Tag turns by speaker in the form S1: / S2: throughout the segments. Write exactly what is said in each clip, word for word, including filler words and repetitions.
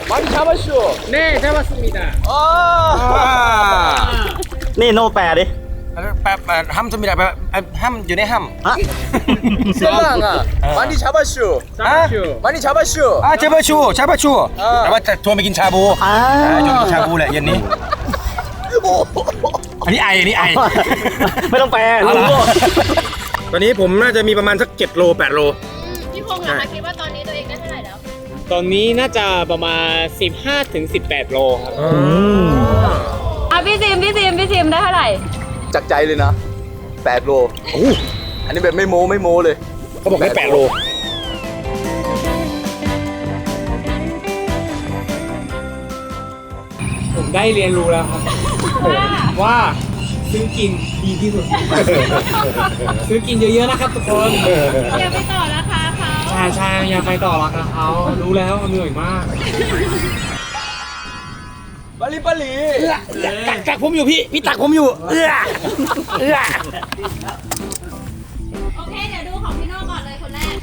S1: 많이 잡았쇼.
S2: 네, 잡았습니다.
S1: 아.
S3: นี่โนแปลดิ
S4: แป๊บห้ามจะมีอะไรห้ามอยู่ในห้าม
S3: ฮะ
S1: 셀랑아. 많이 잡았쇼.
S2: 잡았슈.
S1: 많이 잡았쇼.
S4: อ่าเชฟชูเชฟชูแต่ว่าจะชวนไปกินชาบู
S3: อ่า
S4: ชวนไปกินชาบูแหละเย็นนี้อันนี้ไออันนี้ไอ
S3: ไม่ต้องแปล
S4: เอาเหรอ
S3: รู้
S4: ตอนนี้ผมน่าจะมีประมาณสักเจ็ดโลแปดโล
S5: พี่พงษ์นะคะคิดว่าตอนนี้ตัวเองได้เท่าไหร่แล้ว
S2: ตอนนี้น่าจะประมาณ สิบห้าถึงสิบแปด โลครับ
S5: อ่ะพี่ซิมพี่ซิมพี่ซิมได้เท่าไหร่
S1: จากใจเลยนะแปดโลอันนี้แบบไม่โม้ไม่โม้เลย
S4: เขาบอกได้แปดโล
S2: ผมได้เรียนรู้แล้วครับว่าซื้อกินดีที่สุด ซื้อกินเยอะๆนะครับทุกคน
S5: อย่าไปต่อราคาเขา
S2: ใช่ใช่อย่าไปต่อราคาเขารู้แล้วเหนื่อยมาก
S1: 빨리 빨리.
S4: ตักตักผมอยู่พี่พี่ตักผมอยู่เอื้อเอื้อ
S5: โอเคเดี๋ยวดูของพี่โน่ก่อนเลยคนแรก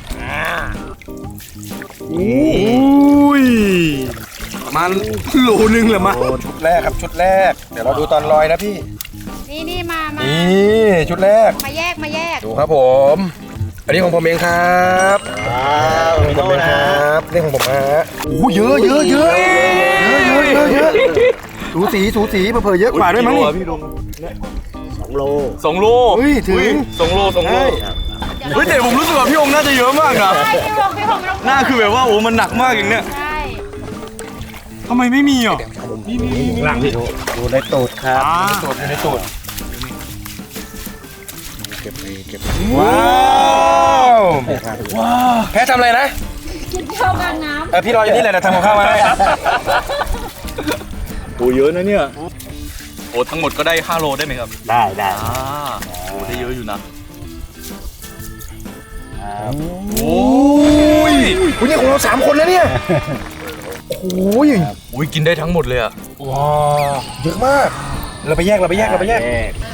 S4: อุ้ยประมาณโลนึงเหรอมาชุดแรกครับชุดแรกเดี๋ยวเราดูตอนลอยนะพี่
S5: นี่นี่มามา
S4: นี่ชุดแรก
S5: มาแยกมาแยก
S4: ดูครับผม อันนี้ของผมเองครับของผมเองครับนี่ของผมฮะโอ้เยอะเยอะเยอะเยอะเยอะเยอะเยอะสูสีสูสีเผื่อเยอะกว่าด้วยมั้งนี่
S1: พี่ลง
S3: สองโล
S1: สองโล
S4: เฮ้ยถึง
S1: สองโลสองโลเฮ้ยแต่ผมรู้สึกว่าพี่องค์น่าจะเยอะมากนะ
S5: ใช่พี่พงษ์พี่พงษ์ไม่ต้อง
S1: หน้าคือแบบว่าโอ้มันหนักมากอย่างเนี้ย
S5: ใช่
S1: ทำไมไม่มีอ่ะ
S4: หลังพี่
S3: ดูในตูดครับ
S4: ตูดอยู่ในตูดเก็บไปเก็บว้าวว้าวแพ้ทำอะไรนะ
S5: ชอบการน้
S4: เออพี่รออยู่นี่แหละนะทำของข้าวมาให้
S1: โอ้เยอะนะเนี่ยโอ้ทั้งหมดก็ได้ห้าโลได้ไหมครับ
S3: ได้ได้
S1: อ่าโอ้ได้เยอะอยู่นะ
S4: โอ้ยคุณนี่ของเราสามคนแล้วเนี่ยโอ้ย
S1: โอ้ยกินได้ทั้งหมดเลยอ่ะ
S4: ว้าวเยอะมาก เราไปแยกเราไปแยกเราไปแยก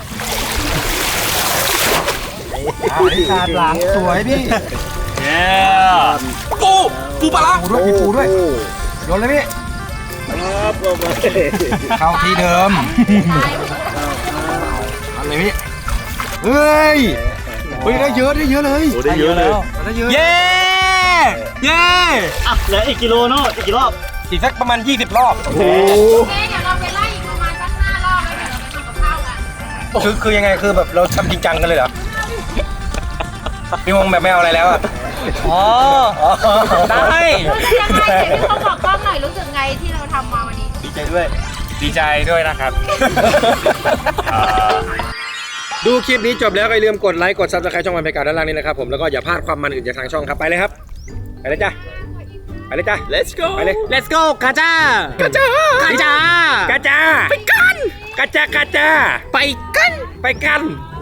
S4: ขาดหลังสวยพี่
S1: เย้ปูปูปลา
S4: ปูด้วยมีปูด้วยโยนเลยพี่เข้าที่เดิมอันไหนพี่เฮ้ยเฮ้ยได้เยอะได้เยอะเลย
S1: โอ้ได้เยอะเลย
S4: ได้เยอะ
S1: เย้เย้
S3: อ่ะเหลืออีกกิโลโน่อีกกี่รอบ
S4: อีกสักประมาณยี่สิบรอบ
S5: ำโอเคเดี๋ยวเราไปไล่อีกประมาณสักห้ารอบแล้วเดี๋ยวเราไปทำกับข้าวกัน
S4: คือคือยังไงคือแบบเราทำจริงจังกันเลยเหรอพี่วงแบบไม่เอาอะไรแล้วอ่ะ
S1: อ๋อได้
S5: รู้สึกยังไงเดี๋ยวพี่พงษ์บอกกล้องหน่อยรู้สึกไงที่เราทำมาวันนี้
S3: ดีใจด้วย
S4: ดีใจด้วยนะครับ ดูคลิปนี้จบแล้วก็อย่าลืมกดไลค์กดซับสไครต์ช่องวันไปกาด้านล่างนี้นะครับผมแล้วก็อย่าพลาดความมันอื่นจากทางช่องครับไปเลยครับไปเลยจ้ะไปเลยจ้ะ
S1: let's go
S4: ไปเลย
S2: let's go กาจ้าก
S4: ระจ้าก
S2: าจ้าก
S4: ระจ้าไปกันกระจ้ากระจ้า
S2: ไปกัน
S4: ไปกัน